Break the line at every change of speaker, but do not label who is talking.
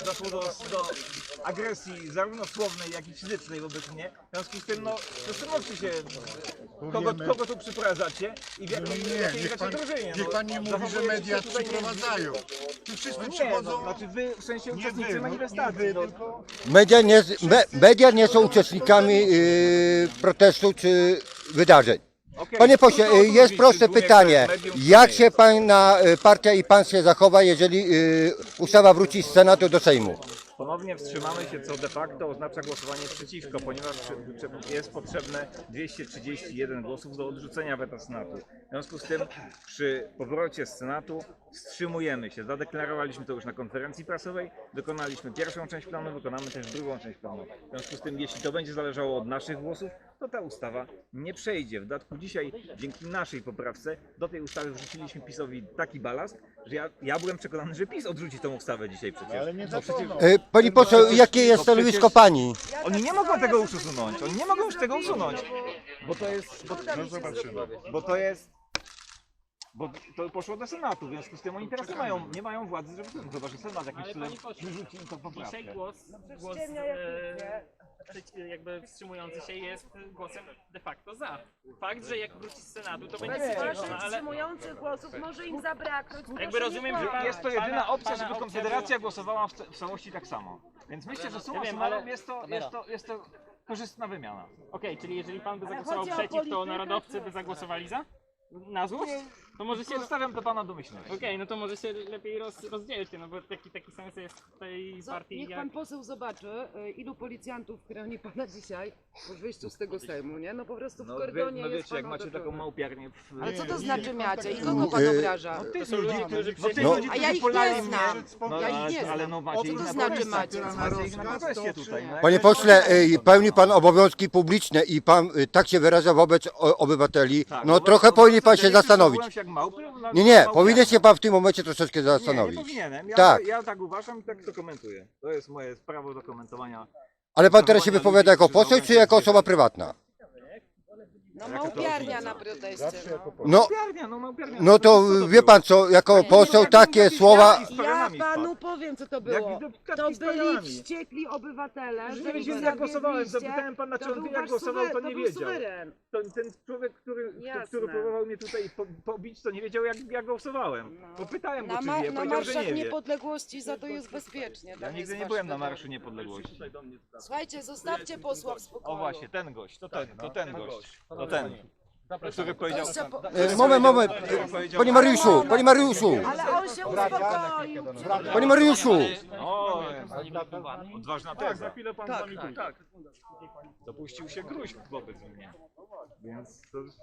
doszło do agresji zarówno słownej, jak i fizycznej wobec mnie. W związku z tym, no, zastanówcie się, kogo tu przyprowadzacie i w jakiej gracie drużynie.
Niech pan nie mówi, że media przyprowadzają. Tu wszyscy przychodzą.
Znaczy wy, w sensie uczestnicy manifestacji.
Media nie są uczestnikami protestu czy wydarzeń. Panie pośle, jest proste pytanie. Jak się pana partia i pan się zachowa, jeżeli ustawa wróci z Senatu do Sejmu?
Ponownie wstrzymamy się, co de facto oznacza głosowanie przeciwko, ponieważ jest potrzebne 231 głosów do odrzucenia weta Senatu. W związku z tym przy powrocie z Senatu wstrzymujemy się. Zadeklarowaliśmy to już na konferencji prasowej, wykonaliśmy pierwszą część planu, wykonamy też drugą część planu. W związku z tym, jeśli to będzie zależało od naszych głosów, to ta ustawa nie przejdzie. W dodatku dzisiaj, dzięki naszej poprawce, do tej ustawy wrzuciliśmy PiS-owi taki balast, że ja byłem przekonany, że PiS odrzuci tą ustawę dzisiaj przecież.
Ale nie za to.
Pani poseł, jakie jest stanowisko pani?
Oni nie mogą tego już usunąć, oni nie mogą już tego usunąć, bo to poszło do Senatu, w związku z tym oni teraz nie mają władzy, żeby to, chyba że Senat jakimś cudem wyrzuci im to poprawkę.
Dzisiaj głos jakby wstrzymujący się jest głosem de facto za. Fakt, że jak wróci z Senatu, to będzie
Waszych
ale
wstrzymujących głosów może im zabraknąć.
jakby rozumiem, że
Jest to jedyna opcja, żeby Konfederacja głosowała w całości tak samo. Więc myślę, że summa summarum jest to korzystna wymiana.
Okej, czyli jeżeli pan by zagłosował
chodzi o
przeciw, to
politykę,
narodowcy by zagłosowali za? Na złość? To może się...
Zostawiam to pana domyślność.
Okej, no to może się lepiej rozdzielcie, no bo taki sens jest w tej partii
Niech
jak...
pan poseł zobaczy, ilu policjantów chroni pana dzisiaj po wyjściu z tego Sejmu, nie? No po prostu w kordonie
No
jest
wiecie, jak
pan
macie taką
otoczony.
małpiarnię
Ale co to znaczy macie? I kogo pan obraża?
tych
są ludzie, którzy
A ja ich nie znam. Ja ich nie
ale
znam.
no macie
Co
ich
to
na
znaczy
proteście.
macie?
Macie ich na proteście tutaj. No.
Panie pośle, pełni pan obowiązki publiczne i pan tak się wyraża wobec obywateli. No trochę powinien pan się zastanowić. Nie, powinien się pan w tym momencie troszeczkę
Nie
zastanowić.
powinienem.
Tak.
Ja tak uważam i tak to komentuję. To jest moje prawo do komentowania.
Ale pan teraz się wypowiada jako poseł czy jako osoba prywatna?
No małpiarnia na proteście.
No,
Małpiarnia.
no to wie pan co, jako poseł takie słowa...
Ja panu powiem, co to było.
Jak
To
klatki z
byli
pionami.
wściekli obywatele,
Nie
że
wiedziałem,
ich
jak głosowałem.
zawiedliście.
Zapytałem pana, czy
To
on
był
wie, jak
wasz
głosował, to nie
był
wiedział.
suweren.
Ten człowiek, który
Jasne.
próbował mnie tutaj pobić, to nie wiedział, jak głosowałem. Bo pytałem go, czy wie,
Na
powiedział, że
marszach
nie wie.
niepodległości za to jest bezpiecznie.
Ja
Tam
nigdy
jest
nie
wasz
byłem na
wybór.
Marszu Niepodległości.
Słuchajcie, zostawcie posła w spokoju.
O właśnie, ten gość, to ten gość, to ten, który powiedział...
Moment, panie Mariuszu,
Ale on się uspokoił.
panie Mariuszu.
O, odważna teza. Za chwilę pan z nami pójdzie. Dopuścił się gruźb wobec mnie. Więc to